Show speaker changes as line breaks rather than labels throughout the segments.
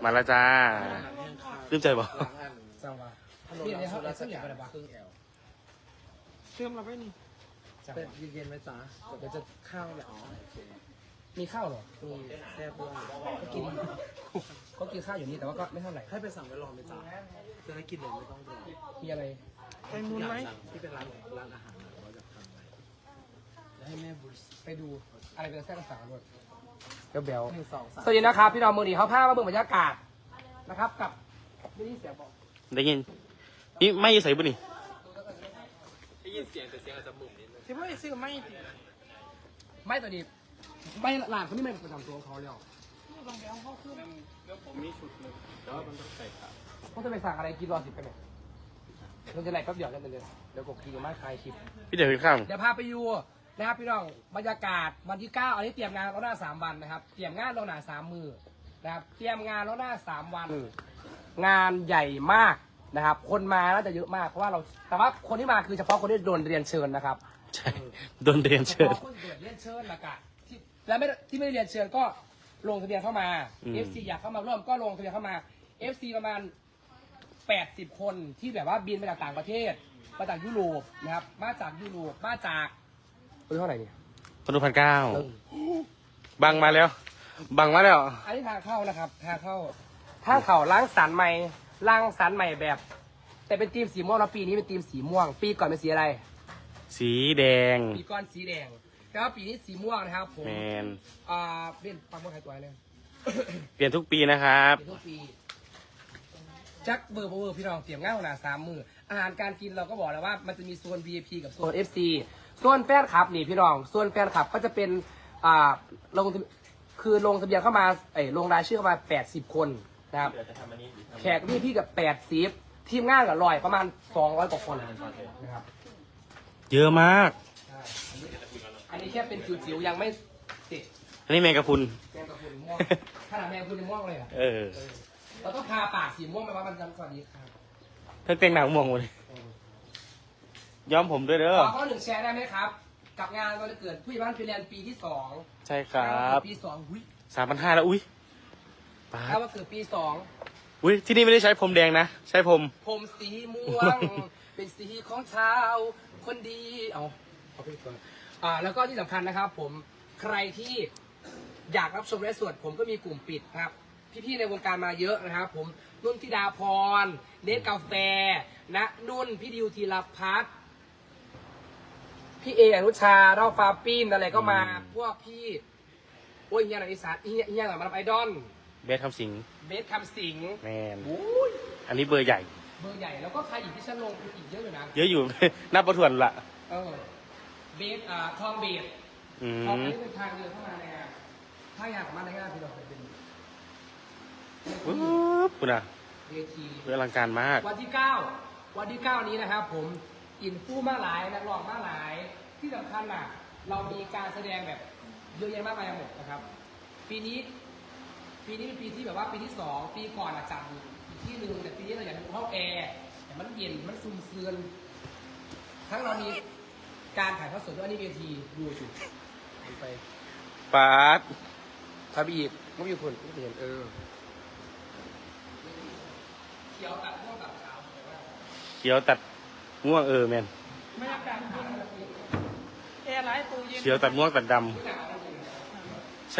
มาแล้วจ้าลืมใจบอก
จังหวะนี่ในห้องเสื้อเหลืองอะไรบ้าง
ครึ่งแอล
เชื่อมเราไม่นี่
เป็นเย็นๆไหมจ๊ะเดี๋ยวจะข้าวแล้วอ๋อโอเค
มีข้าวเหรอ
มีแซ่บด้วย
ก็กินข้าวอยู่นี่แต่ว่าก็ไม่เท่าไหร่
ให้ไปสั่งไว้รอไหมจ๊ะจะได้กินเลยไม่ต้องรอ
มีอะไรแตงมูนไหม
ที่เป็นร้านอาหารว่าจะทำอะไรจะให้แม่บุษ
ไปดูอะไรเป็นแท้ภาษาด้วยเบล
1 2 3
สวัสดีนะครับพี่น้องมือดีเขาพามาเบิ่งบรรยากาศนะครับกับไม่ได้เสียงบอก
ได้ยินนี่ไม่ใส่บุนี่
ได้ยินเสียงแต่เสียงอาจจะมุมนิดนึง
คิดว่าซื้อไม่ตัวนี้ไม่หลานคนนี้ไม่ประจำตัวของเขาแล้ว
แล้วผมมีชุดหนึ่งแต่ว่ามันต้องใส่ขา
เขาจะไปสั่งอะไรกินรอ10กันเนี่ยเราจะไหลแป๊บเดียวกันเลยเดี๋ยวกดกินมาคลายคลิป
พี่เดี๋ยวขึ้นข้าม
เดี๋ยวพาไปดูนะครับพี่น้องบรรยากาศวันที่9อันนี้เตรียมงานล่วงหน้า3 วันนะครับเตรียมงานล่วงหน้า3 มือนะครับเตรียมงานล่วงหน้า3 วันงานใหญ่มากนะครับคนมาน่าจะเยอะมากเพราะว่าเราแต่ว่าคนที่มาคือเฉพาะคนที่โดนเรียนเชิญนะครับ
ใช่โดนเรียนเชิญ
ฉพาะคนที่โดนเรียนเชิญละกันและที่ไม่ได้เรียนเชิญก็ลงทะเบียนเข้ามา FC อยากเข้ามาร่วมก็ลงทะเบียนเข้ามา FC ประมาณ80 คนที่แบบว่าบินมาจากต่างประเทศมาจากยุโรปนะครับมาจากยุโรปมาจากเท่าไหร่เนี่ย
คนดู1,900บังมาแล้ว บังมาแล้ว
อันนี้ทางเข้านะครับทางเข้าล้างสรรค์ใหม่แบบ แต่เป็นทีมสีม่วงแล้วปีนี้เป็นทีมสีม่วง ปีก่อนเป็นสีอะไร
สีแดง
ปีก่อนสีแดงแล้วปีนี้สีม่วงนะครับผม
แมน
เป็นปังมดไทยตัวเลย
เปลี่ยนทุกปีนะครับ
เป็นทุกปีจักเบอร์พี่น้องเตรียมง่ายขนาด3 มืออาหารการกินเราก็บอกแล้วว่ามันจะมีโซน VIP กับโซน FC โซนแฟนคลับนี่พี่น้องโซนแฟนคลับก็จะเป็นลงลงทะเบียนเข้ามาลงรายชื่อเข้ามา80 คนนะครับแขกพี่กับ80ทีมงานกับ100ประมาณ200 กว่าคนนะครับ
เยอะมาก
อันนี้แค่เป็นจิ๋วๆยังไม่ติด
อันนี้แมงกะพรุน
แมงกะพรุนม่วงขนาดแมงกะพรุนยังม่วงเลยอ่ะ
เออ
เราต้องทาปากสีม่วงไปว่ามันจำสวัสดีครับ
เพิ่งแต่งหนังม่วงหมดเลยย้อมผมด้วยเด้อ
ขอ1แชร์ได้ไหมครับ กับงานวันเกิดผู้ใหญ่บ้านฟินแลนด์ปีที่2
ใช่ครับ
ปี2หุ้ย
3,500แล้วอุ้ยป้า
ถ้าว่าเกิดปี2
อุ้ยที่นี่ไม่ได้ใช้ผมแดงนะ ใช้ผม
ผมสีม่วง เป็นสีของชาวคนดีเอาไปก่อนแล้วก็ที่สำคัญนะครับ ผมใครที่อยากรับชมและสวดผมก็มีกลุ่มปิดนะครับ พี่ๆในวงการมาเยอะนะครับ ผมนุ่นธิดาพรเนสกาแฟนะนุ่นพี่ดิวธีรพัฒน์พี่เออนุชาเล่าฟ้าปิ้นอะไรก็มา พวกพี่โอ้ยเฮียหนังอีสานเฮียหนังมาทำไอดอล
เบสคำสิง
เบสคำสิง
แมน
โอ้ย
อันนี้เบอร์ใหญ่
เบอร์ใหญ่แล้วก็ใครอีกที่ฉันลงคืออีกเยอะอยู่นะ
เยอะอยู่ นับประทวนละ
เบสทองเบส
อื
ทอง
ม
เบสเป็นทางเดินเข้ามาในงานถ้าอยากมาในงานพี่ดอกเป็น
ปุ๊บคุณอะ
เวที
อลังการมาก
วันที่9นี้นะครับผมอินฟูมาหลายนักร้องมาหลายที่สำคัญน่ะเรามีการแสดงแบบเยอะแยะมากมายหมดนะครับ ปีนี้เป็นปีที่แบบว่าปีที่2ปีก่อนจัดอีกที่หนึ่งแต่ปีนี้เราอยากดูห้องแอร์แต่มันเย็นมันซุ่มเสือนทั้งเรามีการถ่ายทอดสดด้วยอันนี้เวทีดูจุดไป
ปาด
ถ้าบีกไม่มีคนไม่เห็นเขียวตัดม่วงตัดขาวสวยมาก
เขียวตัดม่วงแมน
ไม่อยากดังขาวแอร์ไลท์ตู้เย็น
เขียวตัดม่วงตัดดำใช่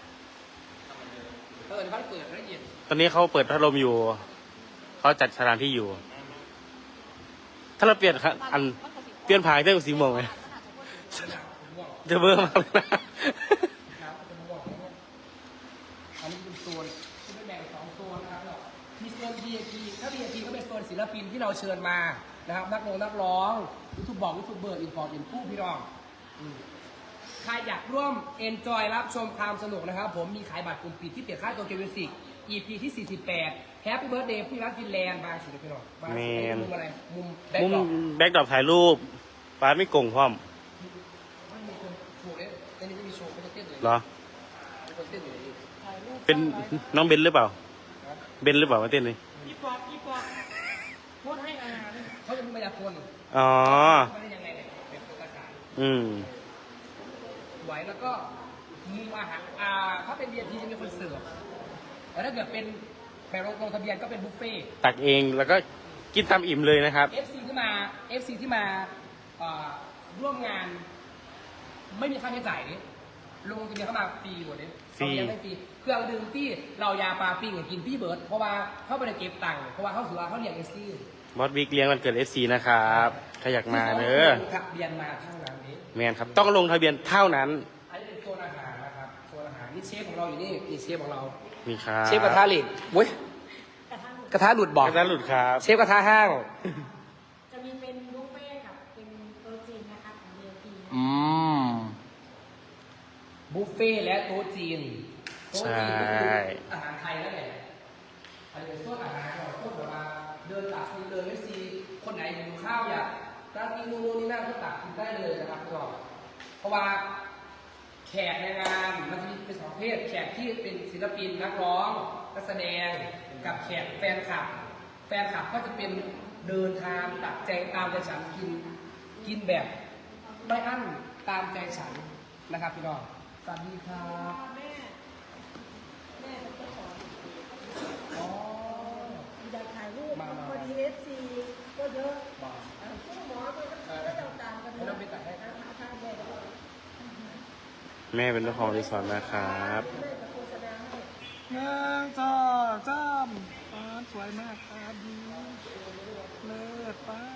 ในบ้านเปิดละเอียด
ตอนนี้เขาเปิดพัดลมอยู่ เขาจัดสถานที่อยู่ ถ้าเราเปลี่ยนเปลี่ยนผายได้กับสีม่วงไหมจะเบอร์มากเลยนะ
อันนี้เป็นโซนที่เป็นแบ่ง2 โซนนะครับมีโซน VIP ถ้า VIP ก็เป็นโซนศิลปินที่เราเชิญมานะครับนักร้องยูทูบเบอร์อินพอร์ตอินผู้พี่น้องใครอยากร่วมเอนจอยรับชมความสนุกนะครับผมมีขายบัตรกลุ่มปิดที่เปลี่ยนค่าตัวเกมมิวสิก EP ที่48 Happy Birthday ผู้รักฟินแลนด์มาสิพี่น้องมามุมอะไรมุมแบ็ค
มุม
ดรอป
แบ็กดรอปถ่ายรูปปาดไม่โกงพร้อม
ไม่มีคนโชว์เลยในนี้ไม่มีโชว์ไม่ได้เต้นเลย
เหรอ
มีคนเต้นอยู่ในนี้
เป็นน้องเบนหรือเปล่า เบนหรือเปล่ามาเต้นเลย
อีปอบโคตรให้อาหาร
เขาจะมีมายากล
อ๋อ
ไม่ได้ยังไงเนี่ยเป็นตัวกระสาน
อืม
ไหวแล้วก็มุมอาหารถ้าเป็น VIP จะมีคนเสิร์ฟแต่ถ้าเกิดเป็นแบบลงทะเบียนก็เป็นบุฟเฟ่ต์
ตักเองแล้วก็กินตามอิ่มเลยนะครับ
FC ที่มาร่วมงาน ไม่มีค่าใช้จ่ายนี่ลงทะเบียนเข้ามาฟรีหมดเลย
ฟรี
ไม่ฟรีเครื่องดื่มที่เรายาปลาปิ้งกินพี่เบิร์ดเพราะว่าเขาไปเก็บตังค์เพราะว่าเขาสุราเขาเรียก FC
บอสบิ๊กเลี้ยงวันเกิด FC นะครับใครอยากมาเนอะ
ลงทะเบียนมาเท่านั้นนี้
แมนครับต้องลงทะเบียนเท่านั้น
อันนี้เป็นโซนอาหารนะครับโซนอาหารนี่เชฟของเราอยู่นี่เชฟของเรา
มีครับ
เชฟกระทะเหล็กเว้ยกระทะหลุดบอก
กระทะหลุดครับ
เชฟกระทะห้าง
จะมีเป็นบุฟเฟ่ต์กับเป็นโต๊ะจีนนะคะของ VIP
บุฟเฟ่ต์และโต๊ะจีนโต๊ะ
ใช่
จีนก็คืออาหารไทยนั่นแหละอันนี้เป็นพวกอาหารของพวกแบบว่าเดินตักกินเลยไม่ซีคนไหนหิวข้าวอยากร้านนี้นู่นนี่นั่นก็ตักกินได้เลยนะครับก็เพราะว่าแขกในงานมันจะมีเป็นสองประเภทแขกที่เป็นศิลปินนักร้องนักแสดงกับแขกแฟนคลับ แฟนคลับก็จะเป็นเดินทางตักใจตามใจฉันกินแบบไม่อั้นตามใจฉันนะครับพี่น้องสวัสดีครับ
แม่เป็นเจ้าของ
อ๋อ
อยากถ่ายรูป
มา
พอดี FC ก็เยอะ
บอก
ซึ่งหมอก็จะตามกัน
ไม่ต้องไปตัดให้
ทางแม่ก็
แม่เป็นเจ้าของรีสอร์ทนะครับ
แม่จะโฆษณาให้
หนึ่งสองสามสวยมากครับดีเลิศป้า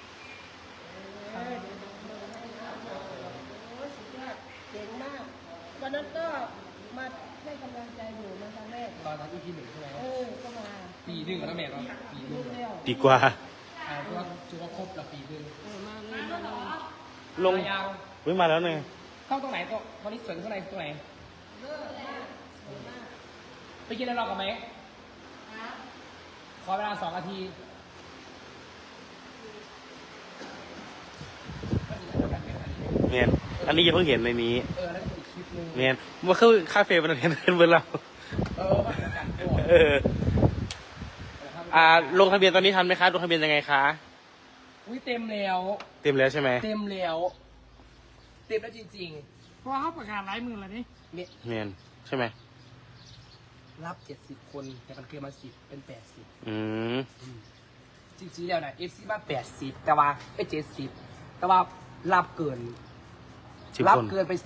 โอ้ยสุดยอดเก่งมาก วันนั้นก็มาให้กำลังใจอยู่มาครั้งแรก
ตอนนั้น EP 1ใช่ไหม
ก็มา
ปีหนึ่งแล้วแม่ก็ปีหนึ่ง
เร็ว
ดีกว่า
เพราะว่าจุว่าครบแล้วปีหนึ่ง
มาเลยมาเลย
ลง
ยาว
วิ่งมาแล้วเนี่ย
เข้าตรงไหนก็ตอนนี้สวนข้างในตรงไหน
เลิศมากสวยมาก
ไปกินอะไรรอกันไหม
ครับ
ขอเวลา2 นาที
เมียนอันนี้ยังเพิ่งเห็นในนี้
แล้วก็อีกคลิปหนึง
เมียนว่าคือคาเฟ่มันเห็นเบอร์เรา
ว่าเหมือนกันตัว
เออ ลงทะเบียนตอนนี้ทันไหมคะลงทะเบียนยังไงคะ
อุ้ยเต็มแล้ว
เต็มแล้วใช่ไหม
เต็มแล้วเต็มแล้วจริง
เพราะเขาประกาศหลายหมื่นแล้วนี่
ๆเนี่ย
เมียนใช่ไหม
รับ70 คนแต่มันเกินมา10เป็น80
อืม
จริงๆแล้วนะ FC มา80แต่ว่า70แต่ว่ารับเกิน
10
รับ
คน
เกินไป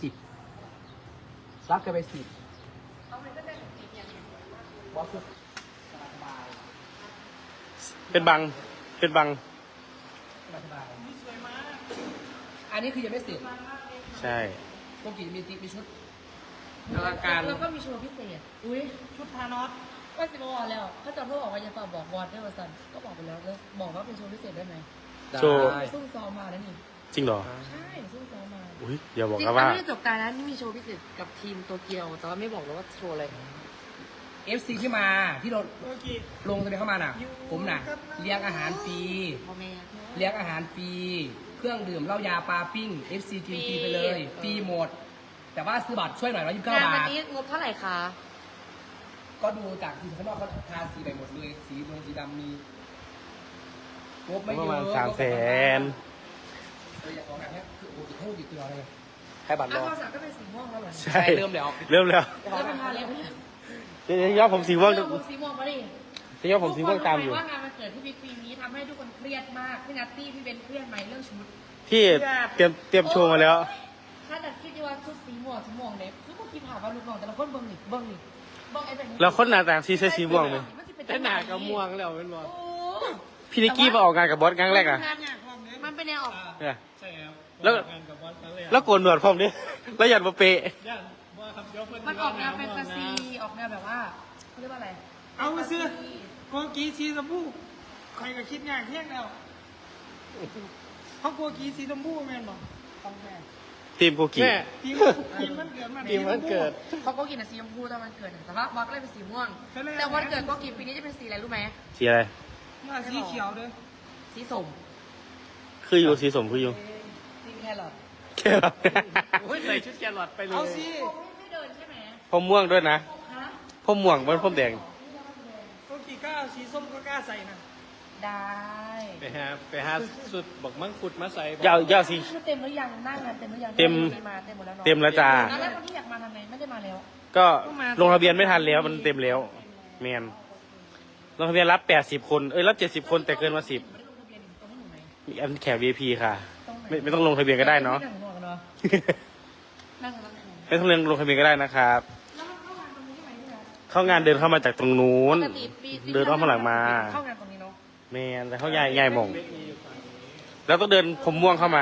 10รับเกินไป10
เอาไปก็ได้ของจริงอย่างนี้
บอสคือสบาย
เป็นบัง เป็นบัง
สบายอันนี้คือยังไม่เสร็จ
ใช่
ต้องกี่มีติ๊กมีชุดอลังการ
แล้วก็มีโชว์พิเศษ อุ้ยชุดพานอสก็สิบวันแล้วเขาจะพูดบอกว่าจะฝากบอกวอดด้วยว่าสันก็บอกไปแล้วแล้วบอกว่าเป็นโชว์พิเศษได้ไหม
โชว์
ซุ่มซ้อมมาแล้วนี่
จริงเหรอ
ใช่ซุ่มซ้อมมา
อุ้ยอย่าบอก
จริง
นะ
ๆ
ว่า
ไม่ได้จบการนะนี่มีโชว์พิเศษกับทีมโตเกียวแต่ว่าไม่บอกเลยว่าโชว์อะไร
FC ที่มาที่เราลงทะเบียนเข้ามาน่ะ ผมน่ะเลี้ยงอาหารฟรี
พ่อแม่
เลี้ยงอาหารฟรีเครื่องดื่มเหล้ายาปลาปิ้ง FC กินฟรีไปเลยฟรีหมด แต่ว่าซื้อบัตรช่วยหน่อย129
งาน
บา
วัน
ท
นี้งบเท่าไหร่คะ
ก็ดูจากทีมข้างนอกเขาทาสีไปหมดเลยสีดงสีดำมีงบไม่
ป
เย
ระ
อะ
มาณ300,000
อยากขอแบบนี้คือโอ้โหให้ดีตัวเลยให้บัตรร
อ้าว
อ
ความสักก็เป็นสีม่วงแล้วเหรอ
ใช่
เริ่มแล้ว
เริ่มแล้ว
แล้วเป็นทาเล็บไหม
เดี๋ยวย้อมผมสีม่วง
ผมสีม่วงมาดิ
จะย้อมผมสีม่วงตามอยู่
ทุกคนรู้ไหว่างานวันเกิดที่บิ๊กปีนี้ทำให้ทุกคนเครียดมากพี่นัตตี้พี่เบนเครียดไหมเรื่องชุด
ที่เตรียมโชว์มาแล้ว
ถ้าดัดคิดว่าชุดสีม่วงเล็บทุกคนคิดถามว่าลูกน้องแต่ละคนเบิ้งนี่เบิ้งไอ้แบบนี้
เราคนหน้าต่างที่ใช้สีม่วงไหม
แต่หนากับม่วงแล้วเป็นบ่
โอ้
พี่นิกกี้มาออกงานกับบอสครั้งแรกอ่ะ
มันเป็นแนวออก
เนี่ย
ใช่ครับ
แล้ว
งานกับบอสครั้งแรก
แล้วโกนหนวดพร้อมดิแล้วหยัดมาเปะ
ย่านว่าครับยกเพื่อน
มันออกแนวแฟนตาซีออกแนวแบบว่าเขาเรียกว่าอะไร
เอามาซื้อโกกีสีชมพูใครก็คิดงานแค่แล้วเขาโกกีสีชมพูแม่นบอก
ต้องแม่
ทีมโกกิ
ทีมมันเกิดมา
ทีมวันเกิด
เขาก็กินสีชมพูตอนวันเกิดแต่ว่าบอสก็เลยเป็นสีม่วง แต่วันเกิดก็กินปีนี้จะเป็นสีอะไรรู้ไหม
สีอะไร
มาสีเขียวเลย
สีส้ม
คืออยู่สีสมคืออยู่
สีแครอท
แค่หรอ
โอ้ยใส่ชุดแกลอดไปเลยเอาสิ
ไม่เดินใช่ไหม
ผมม่วงด้วยนะ
ฮะ
ผมม่วงมันผมแดง
โกกีกล้าสีส้มก็กล้าใส่นะ
ได้
ไปหาสุดบอกมังคุดมาใส่
ยาวสี
คือเต็มหรือยังหน้างานเต็มหรือยัง
เต็ม
มาเต็มหมดแล้วเนาะ
เต็มแล้วจ้า
แล้วคนที่อยากมาทำไงไม่ได้มาแล้ว
ก็ลงทะเบียนไม่ทันแล้วมันเต็มแล้วแมนลงทะเบียนรับ80 คนรับ70 คนแต่เกินมา10
ไม่ได้ลงทะเบียนตรงให้หนูไหม
มีอันแขก VIP ค่ะ
ตรงไหน
ไม่ต้องลงทะเบียนก็ได้เนาะ
นั่งหัวกันเนาะนั่งกัน
ไม่ต้องลงทะเบียนก็ได้นะครับ
แล้วมันเข้างานตรงนี้ใช่ไหมพี่นะ
เข้างานเดินเข้ามาจากตรงนู้น
ปกติปี
เดินอ้อมข้างหลังมา
เข้างานตรงนี้เนาะ
แมนแต่เขาใหญ่หมงแล้วต้องเดินผมม่วงเข้ามา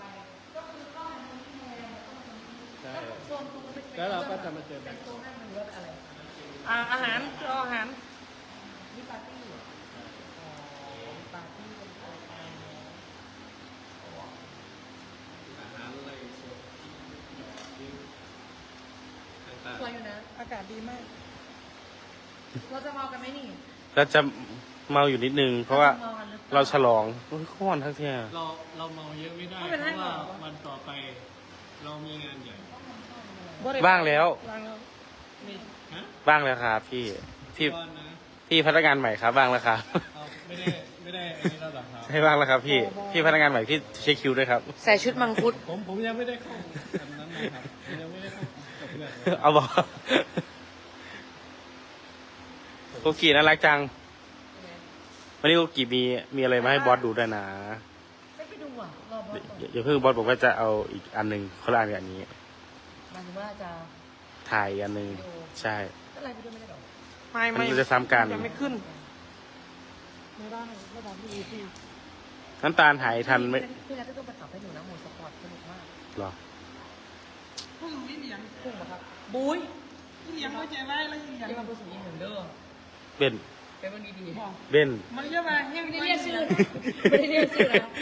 แล้วเราก็จะมาเจอกัน
อาหารเอาอาหาร
นี่ปาร์ตี้ปาร์ตี้เป็นปาร์ตี้สวยอยู่นะ
อากาศดีมาก
เราจะเมากันไหมนี่
เราจะเมาอยู่นิดนึง เพราะว่า
เมากันหรือปล่
เราฉลองโอ้ยข้อนทั้งเที่ย
เราเมาเยอะไม่ได้
ไม่
เพ
เป็นไร
ราะว่า
หรอก
วันต่อไปเรามีงานใหญ่
บ้างแล้ว
บ้างแล้วนี่ฮะ
บ้างแล้วครับพี่
ก้อนนะ
พี่พนักงานใหม่ครับบ้างแล้วครับ
เอาไม่ได้อันนี้เราหรอกครับ
ให้บ้างแล้วครับพี่พนักงานใหม่พี่เช็คคิวด้วยครับ
ใส่ชุดมังคุด
ผมยังไม่ได้เข้าอันนั้นนะครับผมยังไม่ได้เข้ากับเพื่อนเลย
เอาบอกโกกีน่ารักจัง วันนี้โกกีมีอะไรมาให้บอสดูด้วยนะ
ไม่ไปดูอ่ะรอบอสก่อน
อย่าเพิ่งบอสบอกว่าจะเอาอีกอันหนึ่งคนละอันกับอันนี้
หมายถึงว่าจะ
ถ่ายอีกอันหนึ่งใช่
อะไรไปด้วยไม่ได้หรอ
มันจะซ้ำกัน
ยังไม่ขึ้น
ไม่ได้ไม่ได้พี่พี่
น้ำตาลหายทันไหม
พี่นัทต้องไปขับให้หนูนะโหมดสปอร์ตสนุกมาก
หรอ
พวกหนูนี่เลี้ยง
พุ่งมาครับบุ้ย
นี่เลี้ยงไม่ใจร้ายแล้วยังเลี้ยง
ยังมาเป็นสิ่งนี้เหมือนเดิม
เบน
เป็นวันดีดี
เบน
มันเยอะมาให้
ไม่
ไม่
ได้
ได้
เรี
เรี
ย
ย
ก
ก
ชื่
ชื่
อ
อ
ไม่ได้เรียกชื่อนะ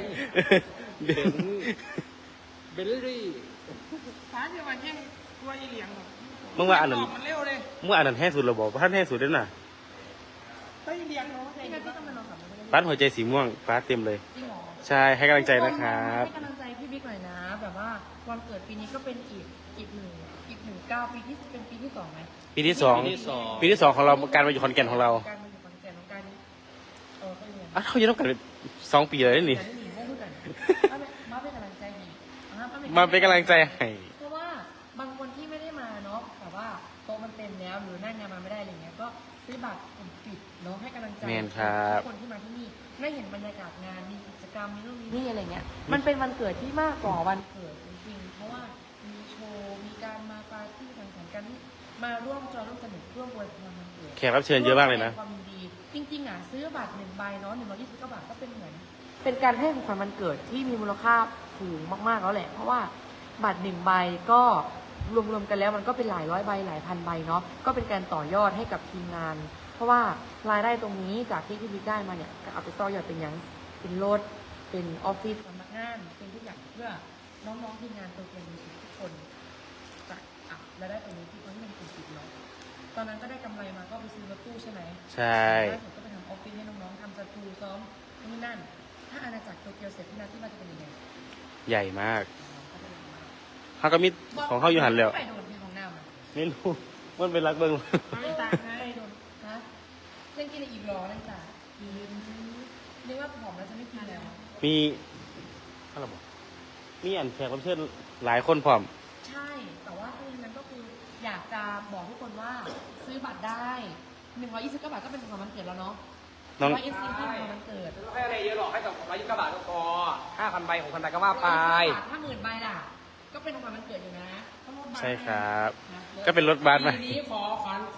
พูดอะไร
เบลลี่ฟ้าจะมาแห้งตัวอีเหลียง
มึงว่าอันนั้น
มันเร็วเลย
มึงว่าอันนั้นแห้งสุดเราบอกว่าท่านแห้งสุดด้วยน่ะ
ตัวอีเหลียงเนาะ
พี่นัทต้องมาลองขับไม่ได้
ป้าหัวใจสีม่วงป้าเต็มเลย
จริงหรอ
ใช่ให้กำลังใจนะครับ
ให้กำลังใจพี่บิ๊กหน่อยนะ แบบว่าวันเกิดปีนี้ก็เป็นอีกหนึ่งก้าวปีที่เป็นปีที่สองไหม
ปีที่สองของเราการมาอยู่ขอนแก่นของเรา
การมาอยู่ขอนแก่นของการก็เรียน
อ่ะเขาจะต้องกัน2 ปีเลยนี่
แต่ที่หนีไม่รู้กันมาเป็นกำลังใจดี
มาเป็นกำลังใจให้
เพราะว่าบางคนที่ไม่ได้มาเนาะแต่ว่าโต๊ะมันเต็มแล้วหรือนั่งงานมาไม่ได้อะไรเงี้ยก็ซื้อบัตรกลุ่มปิดเนาะให้กำลังใจ
แมนครับ
ทุกคนที่มาที่นี่ได้เห็นบรรยากาศงานมีกิจกรรมมีนู่นมีนี่อะไรเงี้ยมันเป็นวันเกิดที่มากกว่าวันเกิดจริงๆเพราะว่ามีโชว์มีการมาปาร์ตี้สังสรรค์กันมาร่วมจอยร่วมสนุกร่วมอวยพรวันเกิด
แขกรับเชิญเยอะมากเลยนะ
ความยินดีจริงๆอ่ะซื้อบัตร1 ใบเนาะ129 บาทก็เป็นเหมือนเป็นการให้ของขวัญวันเกิดที่มีมูลค่าสูงมากๆแล้วแหละ เพราะว่าบัตร1 ใบก็รวมๆกันแล้วมันก็เป็นหลายร้อยใบหลายพันใบเนาะก็เป็นการต่อยอดให้กับทีมงาน เพราะว่ารายได้ตรงนี้จากที่พี่บิ๊กได้มาเนี่ยก็เอาไปต่อยอดเป็นยังเป็นรถเป็นออฟฟิศสำนักงานเป็นทุกอย่างเพื่อน้องๆทีมงานตัวเองทุกคนจากรายได้ตรงนี้ที่คนที่มันเป็นสิบเนาะตอนนั้นก็ได้กำไรมาก็ไปซื้อรถตู้ใช่ไหม
ใช่
แล้วผมก็ไปทำออฟฟิศให้น้องๆทำสตูซ้อมนี่นั่น ถ้าอาณาจักรโตเกียวเสร็จที่นั่นที่มันจะเป็นยังไง
ใหญ่มากเขาก็มีของเขาอยู่หันแล้ว
ไปโดนที่ของน้ำอ่ะ
ไม่รู้มันเป็นรักเบิ้ง
ไม่ตาไปโดนฮะเล่นกินอีกรอเลยจ้ะนึกว่าผอมแล้วจะไม่กินแล้ว
มีอะไรบอกมีอันแขกรับเชิญหลายคนพร้อม
ใช่ แต่ว่าทั้งนั้นก็คืออยากจะบอกทุกคนว่าซื้อบัตรได้129 บาทก็เป็นของวันเกิดแล้วเนาะ
น้อง
120ให้ของวันเกิด
ไม่ต้องให้อะไรเยอะหรอกให้กับ129 บาทก็พอ5,000 ใบ6,000 ใบก็ว่าไป
ถ้า10,000 ใบล่ะ ก็เป็นของวันเกิดอยู่นะต้องลดบัตร
ใช่ครับ
นะ
ก็เป็นรถบัสไป
ปีนี้ขอ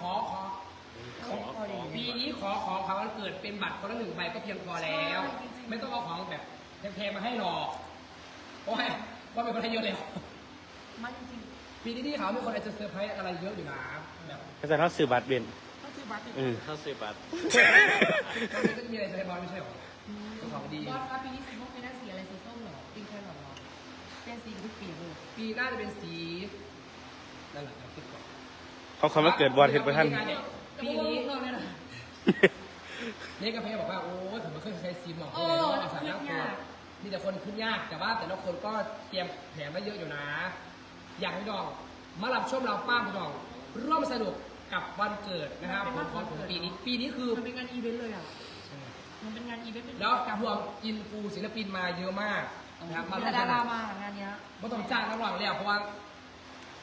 ปีนี้ขอความวันเกิดเป็นบัตรคนละ1 ใบก็เพียงพอแล้ว ไม่ต้องเอาของแบบแพงๆมาให้หรอกเพราะว่าเป็นคนให้เยอะแล้ว
ไม่จริง
ปีนี้ที่เขามีคนอาจจะเซอร์ไพรส์อะไรเยอะอยู่นะแบบ
อาจารย์เขาซื้อบัตรเบน
ถ้าซื้อบัตรอีก
เขาซื้อบัตร
ตอนนี้ก็จะมีอะไรเซอร์ไพรส์ไม่ใช่หรอของดี
บอสครับปีนี้สีม่วงเป็นหน้าสีอะไรสีส้มเหรอปิงแครอทเหรอเป็นสีทุกปีเลย
ปีหน้าจะเป็นสีนั่นแหละคิดก่อน
เขาคำว่าเกิดบอลเห็นไปท่าน
ปีนี้
เพิ่มเลยนะ
นี่กาแฟบอกว่าโอ้ยผมไม่เคยใช้ซีมหรอกเลยเนาะสารนักตัวมีแต่คนขึ้นยากแต่ว่าแต่ละคนก็เตรียมแผนไว้เยอะอยู่นะ อยากให้ดองมารับชมเราป้าพี่ดองร่วมสนุกกับวันเกิดนะครับผมปีนี้คือ
มันเป็นงานอีเวนต์เลยอ่ะมันเป็นงานอีเวนต์เป็น
แล้วรวมอินฟูศิลปินมาเยอะมากนะครับมาร่วม
ดา
สนุ
ราก มางานเนี้ย
ไม่ต้องจ้างนักร้องแล้วเพราะว่า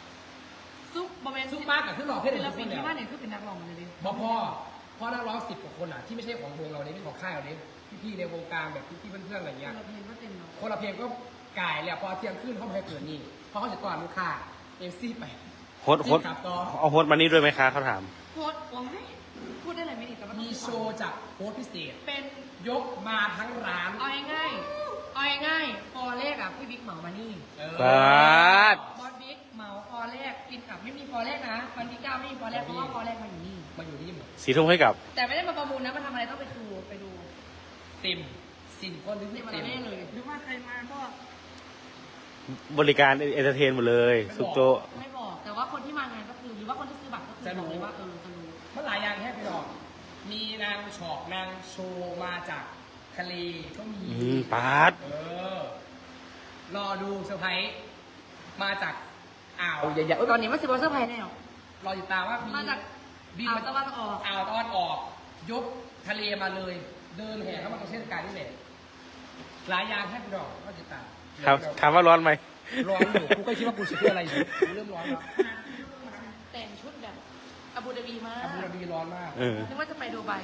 ซุปบอมเบน
ซุปมากกับขึ้นหล่อขึ้น
ศิ
เลย
ล
ทุก
ปิ
คน น
ที่
แล้ว
บ้านเนี่ยคือเป็นนักร้องเลยดิ
พ่อนักร้อง10 กว่าคคนอ่ะที่ไม่ใช่ของวงเราเนี่ยไม่ใช่ของค่ายเราเนี่ยพี่ๆในวงการแบบพี่ๆเพื่อนๆอะไรเงี้ย
เราเพลงก็เต็มเนาะ
คนละเพลงก็ก่ายเลยพอเที่ยงขึ้นเขาไม่ให้เกิดนี่เพราะเขาจะก่อนลูกค้าเอฟซีไป
โฮสต์
กลับต่อ
เอาโฮสต์มานี่ด้วยไหมคะเขาถาม
โพสต์โอ้ยพูดได้เลยไม่ดีแต่ว่า
มีโชว์จากโค้ชพิเศษ
เป็น
ยกมาทั้งร้าน
เอาง่ายๆเอาง่ายๆฟอแรกอ่ะพี่บิ๊กเหมามานี่
บาส
บอสบิ๊กเหมาฟอแรกกินกับไม่มีฟอแรกนะวันที่9ไม่มีฟอแรกเพราะว่าฟอแรกมาอยู่นี่
มาอยู่นี่หมด
สีทุ่มให้กับ
แต่ไม่ได้มาประมูลนะมาทำอะไรต้องไปดู
เต็มสิ่งคนนึง
นี่มัน
เต็ม
แน่เลย
หรือว่าใครมาก็
บริการเอนเตอร์เทนหมดเลยสุกโตะ
ไม่บอกแต่ว่าคนที่มางานก็คือหรือว่าคนที่ซื้อบัตรก็คือบอกเลยว่าจะรู้
เมื่อหลายอย่างแค่พี่ดอกมีนางฉอกนางโชว์มาจากทะเลก็มี
ปาด
รอดูเซอร์ไพรส์มาจากอ่าวใหญ่
ตอนนี้มันสิบวันเซอร์ไพรส์แน่
รอติดตามว่ามี
มาจาก
บิน
อ่าว
มา
ตะวันออก
อ่าวตะวันออก ยกทะเลมาเลย เดินแห่เข้ามาตรงเส้นกลางนี่แหละหลายอย่างแค่พี่ดอกรอติดตาม
ครับถามว่าร้อนไหม
ร้อนอยู่กูก็คิดว่ากูจะเพื่ออะไรอยู่กูเริ่มร้อนแล้ว
แต่งชุดแบบอาบูดาบีมาก
อาบูดาบีร้อนมาก
เออ
นึกว่าจะไปดูไบ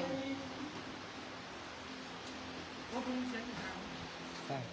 ว่าเพิ่งเช็คข่าว
ใช่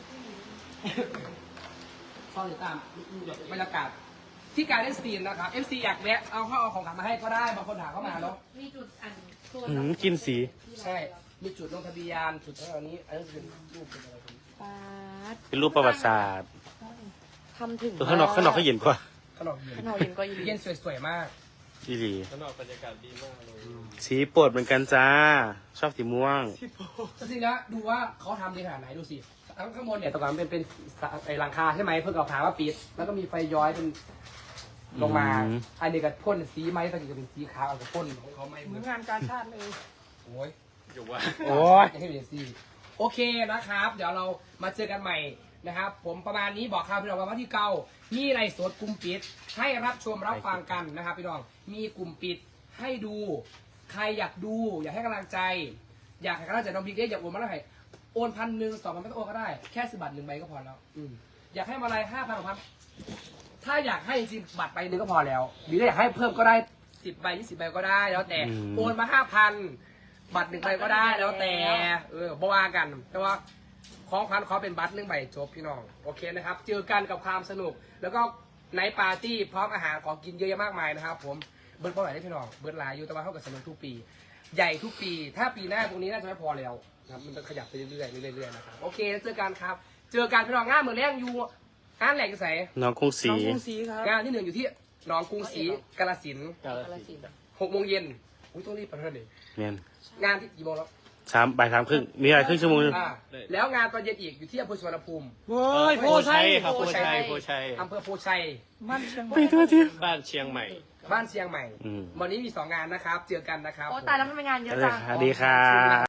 รอติดตามบรรยากาศที่การเล่นสตรีมนะครับ FC อยากแวะเอาของกลับมาให้ก็ได้บางคนถามเข้ามาเนาะ
มีจุดอันตัว
กินสี
ใช่ มีจุดลงทะเบียนจุดเท่านี้อันนี้เป็นรูปเป็นอะไรเป็น
ปาด
เป็นรูปประวัติศาสตร์
ทำถึง
ข้างนอกเขาเย็นกว่า
ขนมเย็น
ข้างนอกเย็นก็ยิน
เย็นสวยๆมาก
ดีดี
ข้างนอกบรรยากาศดีมากเลย
สีโปรดเหมือนกันจ้า ชอบสีม่วง
จริงๆนะดูว่าเขาทำดีขนาดไหนดูสิข้างบนเนี่ยตะกอนเป็นไอ้หลังคาใช่ไหมเพื่อเอาผาว่าปิด แล้วก็มีไฟย้อยเป็นลงมา
อืม
อันนี้ก็พ่นสีไม้ตะกี้ก็เป็นสีขาวเอาก็พ่นของเขาไม่เห
เห
มื
มื
อ
อน นงานการชาติเลย
โอ้ย
อยู่ว่า
โอ้ย
ให้เป็นสีโอเคนะครับ เดี๋ยวเรามาเจอกันใหม่นะครับ ผมประมาณนี้บอกข่าวพี่น้องว่าที่เก่ามีไลฟ์สดกลุ่มปิด ให้รับชมรับฟังกันนะครับพี่น้องมีกลุ่มปิดให้ดู ใครอยากดู อยากให้กำลังใจ อยากให้กำลังใจน้องบิ๊กเด้อยากโอนมาเท่าไหร่โอน1,000 2,000ไม่ต้องโอนก็ได้แค่10 บาท1 ใบก็พอแล้วอยากให้มาอะไร5,000 6,000ถ้าอยากให้จริงๆบัตรใบหนึ่งก็พอแล้วหรืออยากให้เพิ่มก็ได้10 ใบ20 ใบก็ได้แล้วแต่โอนมา5,000 บัตร1 ใบก็ได้แล้วแต่บ่ว่ากันแต่ว่าของขวัญขอเป็นบัตร1 ใบจบพี่น้องโอเคนะครับเจอกันกับความสนุก แล้วก็ไนท์ปาร์ตี้พร้อมอาหารของกินเยอะแยะมากมายนะครับผมเบิร์ดเท่าไหร่ได้พี่น้องเบิร์ดหลายอยู่แต่ว่าเท่ากับสนุกทุกปี ใหญ่ทุกปี ถ้าปีหน้าตรงนี้น่าจะไม่พอแล้วนะครับมันจะขยับไปเรื่อยๆเรื่อยๆนะครับโอเคเจอกันครับเจอกันพี่น้องงานเหมือนแรงอยู่งานแหลกกระแส
น้องกรุงศรี
น้องกรุงศรีครับ
งานที่ 1อยู่ที่หนองกรุงศรีกาฬสินธุ์
กาฬสินธุ์
6 โมงเย็นอุ้ยต้องรีบไปเท่าไหร่
เนี่ย
งานที่กี่โมงแล้ว
บ่าย 3 ครึ่ง มีอะไรครึ่งชั่วโมงนึง
แล้วงานตอนเย็นอีกอยู่ที่อำเภอสุวรรณภูมิ
โว้ย
โพชัยครับโพชัยโพชัย
อำเภอโพชัย
มันเชียงให
ไป
ม่
ทั่วที่
บ้านเชียงใหม่
บ้านเชียงใหม่
อืม
วันนี้มี2 งานนะครับเจอกันนะครับ
โอ้ตายแล้วมันเป็นงานเยอะ
ส
จัง
วัสดีค่ะ